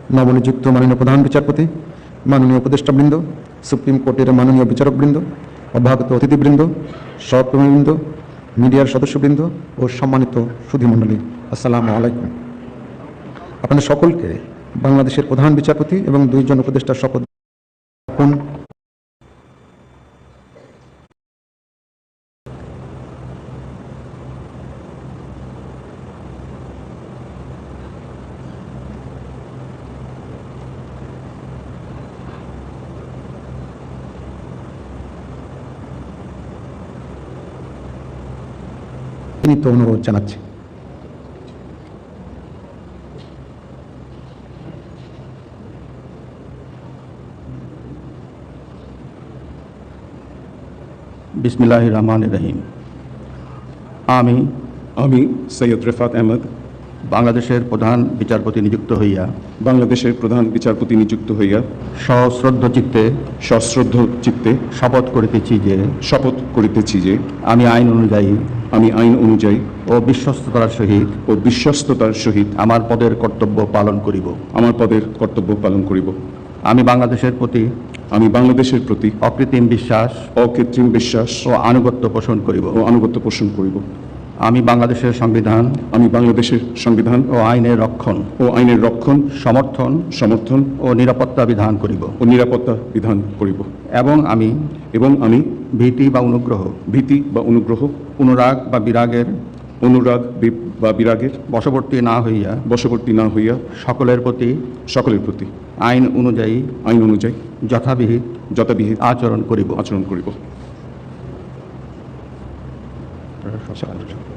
নবনিযুক্ত মাননীয় প্রধান বিচারপতি, মাননীয় উপদেষ্টাবৃন্দ, সুপ্রিম কোর্টের মাননীয় বিচারকবৃন্দ, অভ্যাগত অতিথিবৃন্দ, সহকর্মীবৃন্দ, মিডিয়ার সদস্যবৃন্দ ও সম্মানিত সুধীমণ্ডলী, আসসালামু আলাইকুম। আপনাদের সকলকে বাংলাদেশের প্রধান বিচারপতি এবং 2 জন উপদেষ্টার শপথ অনুরোধ জানাচ্ছি। বিসমিল্লাহির রহমানির রহিম। আমি সৈয়দ রেফাত আহমদ বাংলাদেশের প্রধান বিচারপতি নিযুক্ত হইয়া সশ্রদ্ধ চিত্তে শপথ করিতেছি যে আমি আইন অনুযায়ী ও বিশ্বস্ততার সহিত আমার পদের কর্তব্য পালন করিব। আমি বাংলাদেশের প্রতি অকৃত্রিম বিশ্বাস ও আনুগত্য পোষণ করিব। আমি বাংলাদেশের সংবিধান ও আইনের রক্ষণ সমর্থন ও নিরাপত্তা বিধান করিব। এবং আমি ভীতি বা অনুগ্রহ অনুরাগ বা বিরাগের বশবর্তী না হইয়া সকলের প্রতি আইন অনুযায়ী যথাবিহিত আচরণ করিব।